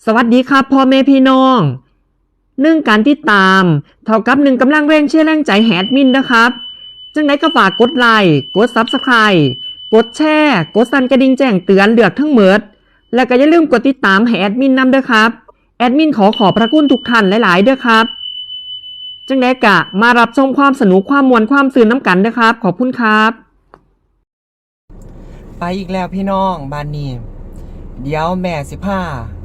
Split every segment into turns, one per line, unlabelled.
สวัสดีครับพ่อแม่พี่น้องการติดตามเท่ากับกำลังแรงเชียร์แรงใจแฮดมินนะครับจังไดก็ฝากกดไลค์กด Subscribe กดแชร์กดสั่นกระดิ่งแจ้งเตือนเลือกทั้งหมดแล้วก็อย่าลืมกดติดตามให้แอดมินนำด้วยครับแอดมินขอบพระคุณทุกท่านหลายๆด้วยครับจังไดกะมารับชมความสนุกความมวลความสื่นน้ำกันนะครับขอบคุณครับ
ไปอีกแล้วพี่น้องบ้านนี้เดี๋ยวแม่สิพา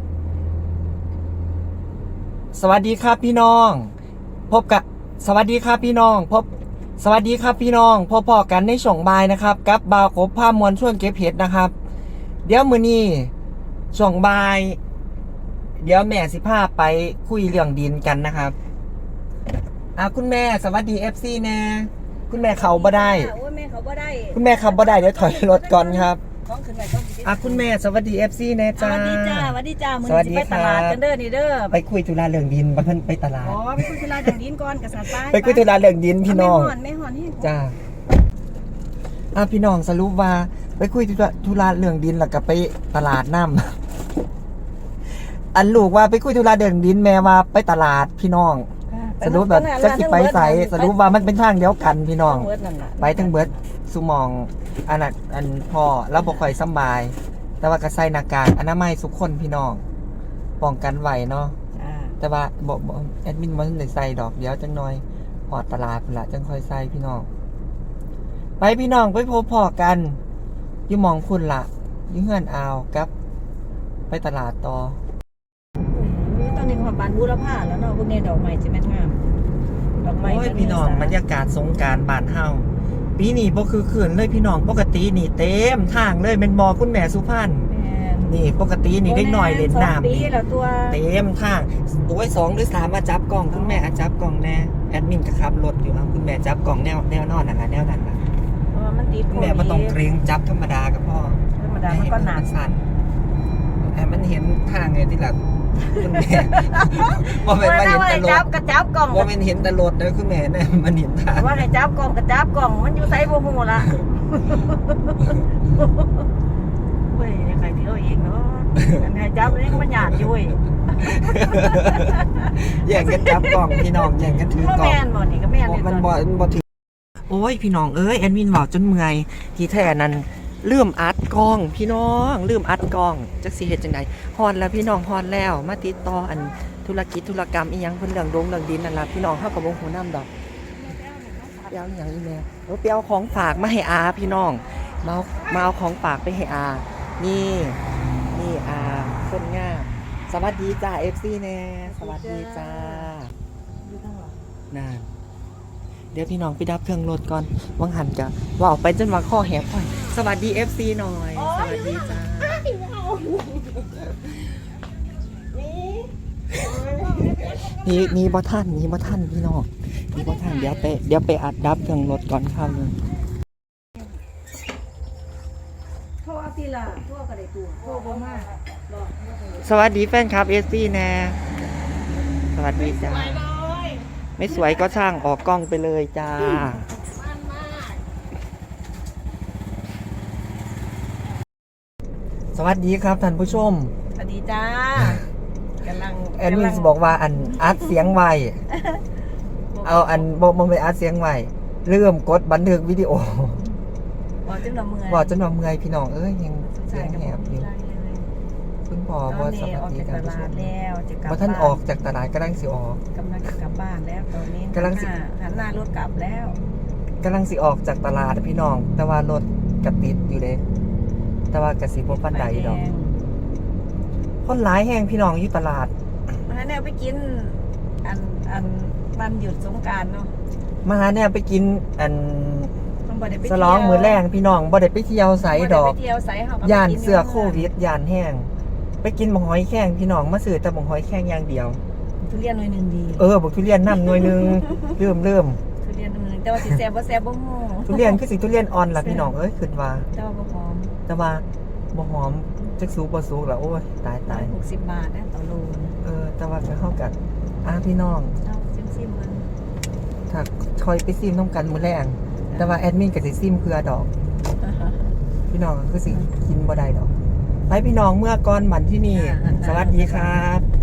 สวัสดีครับพี่น้องพบกับสวัสดีครับพี่น้องสวัสดีครับพี่น้องพบกันในช่วงบ่ายนะครับกับบ่าวกบผ้ามวลช่วงเก็บเห็ดนะครับเดี๋ยวมื้อนี้ช่วงบ่ายเดี๋ยวแม่สิพาไปคุยเรื่องดินกันนะครับคุณแม่สวัสดี FC แน่คุณแม่เขาบ่ได้คุณแม่ขับบ่ได้เดี๋ยวถอยรถก่อนครับคุณแม่สวัสดี FC แน่จ้า
สวัสดีจ้ามื้อนี้ไปตลาดกันเด้อนี่เด้อ
ไปคุยธุระเรื่องดินบ่เพิ่นไปตลาด
ไปคุยธุระเรื่องดินก่อนกษัตริย์
ไปคุยธุระเรื่องดินพี่น้อง
ไม่หอนให้
จ้าพี่น้องสรุปว่าไปคุยธุระเรื่องดินแล้วก็ไปตลาดน้ำอันลูกว่าไปคุยธุระเรื่องดินแม่ว่าไปตลาดพี่น้องสรุปแบบจะสิไปใส่สรุปว่ามันเป็นทางเดียวกันพี่น้องไปทั้งเบิดสุมองอันพ่อแล้วบ่ค่อยสบายแต่ว่าก็ใส่หน้ากากอนามัยทุกคนพี่น้องป้องกันไว้เนาะแต่ว่าบ่แอดมินบ่ทันได้ใส่ดอกเดี๋ยวจังหน่อยพอตลาดพุ่นล่ะจังค่อยใส่พี่น้องไปพี่น้องไปพบพ่อกันอยู่หม่องคุณล่ะอยู่เฮือนอาวกับไปตลาดต่อ
ตอนนี้ความบานบูรพาแล้วเนาะพวกนี้ดอกไม้จะแม่นงามดอกไม้
โอ้ยพี่น้องบรรยากาศสงกรานต์บ้านเฮาปีนี้บ่คือคืนเลยพี่น้องปกตินี่เต็มทางเลยเป็นบ่คุณแม่สุพรรณนี่ปกตินี่เด็กน้อยเล่นน้ำนี่เต็มทางโอ้ย2หรือ3มาจับกล่องคุณแม่จับกล่องแน่แอดมินก็ขับรถอยู่ครับคุณแม่จับกล่องแนวนอนนั่นล่ะแนวนั้นล่ะ
มันติด
คุณแม่บ่ต้องเกรงจับธรรมดาก็พอ
ธรรมดามันก็หนา
สั่นให้มันเห็นทางไงที่หลังคุณแม่ว่าเป็นมาเห็นตลก
กระจับกล่อง
ว่าเป็นเห็นตลกเลยคุณแม่เนี่ยมันเห็นทาง
ว่าให้จับกล่องกระจับกล่องมันอยู่ไซส์โบหูละเว้ยใครที่เอาเองเนาะให้จับนี่มันหยาดอยู่เว้ย
แย่งกันจับกล่องพี่น้องแย่งกันถือกล่อง
แม่นบ่นี่ก็แม่น
มันบ่ถือโอ้ยพี่น้องเอ้ยแอดมินบอกจนเมื่อยที่แท้นั้นลืมอัดกล้องพี่น้องลืมอัดกล้องจักสิเฮ็ดจังได๋ฮอดแล้วพี่น้องฮอดแล้วมาติดต่ออันธุรกิจธุรกรรมอีหยังเพิ่นเรื่องเรื่องดินนั่นล่ะพี่น้องเฮาก็บ่ฮู้นำดอกไปเอาอีหยังอีแม่ไปเอาของฝากมาให้อาพี่น้องมาเอาของฝากไปให้อานี่อาคนงามสวัสดีจ้า FC แน่สวัสดีจ้านั่นเดี๋ยวพี่น้องไปดับเครื่องรถก่อนวังหันจะว่าออกไปจนว่าข้อแหบค่อยสวัสดี FC หน่อยสวัสดีจ้านี่บ่ท่านพี่น้องนี่บ่ท่านเดี๋ยวไปอัดดับเครื่องรถก่อนครับนึง
โทรทีละโทรก็ได้ตัวโทรบ่มา
สวัสดีแฟนคลับ FC แน่สวัสดีจ้าไม่สวยก็ช่างออกกล้องไปเลยจ้าสวัสดีครับท่านผู้ชม
สวัสดีจ้ากำลัง
แอดมินบอกว่าอัดเสียงไว้เอาบ่ไปอัดเสียงไว้เริ่มกดบันทึกวิดีโอ
บอกจนว่าเ
มื่อยพี่น้องเอ้ยยังเสียงแหบอยู่คุณพ่อบ่สวัสดีท่านผู้ชมบ่ท่านออกจากตลาดกำลังสิออก
กำลังจะกลับบ้านแล้วตอนนี้กำลังหันหน้ารถกลับแล้ว
กำลังสิออกจากตลาดพี่น้องแต่ว่ารถกระติดอยู่เลยแต่ว่ากระสิบ่ปานใดดอกคนหลายแห้งพี่น้องอยู่ตลาด
มาแนวไปกินวันหยุดสงกรานต์เนาะ
มาเนี่ยไปกินสลองมื้อแรงพี่น้องบ่ได้ไปเที่ยวไสดอกย่านเสื้อโควิดย่านแห้งไปกินหมกหอยแข้งพี่น้องมาซื้อแต่หมกหอยแข้งอย่างเดียว
ทุเรียนหน่วยนึงดี
บอกทุเรียนน้ำหน่วยนึงเริ่ม
ทุเรียนหน่วยนึงแต่ว่าสิแซ่บบ่แซ่บบ่ฮู้
ทุเรียนคือสิทุเรียนอ่อนล่ะพี่น้องคิดว่า
แต่ว่าบ่หอม
บ่หอมจักสุกบ่สุกล่ะโอ้ยตาย
60 บาทนะต่อโล
แต่ว่าจะเข้ากันพี่น้อง
เอาซิมๆมัน
ถ้าคอยไปซิมน้ำกันมื้อแรงแต่ว่าแอดมินก็สิซิมเพื่อดอกพี่น้องก็คือสิกินบ่ได้ดอกไปพี่น้องเมื่อก่อนบันที่นี่ สวัสดีครับ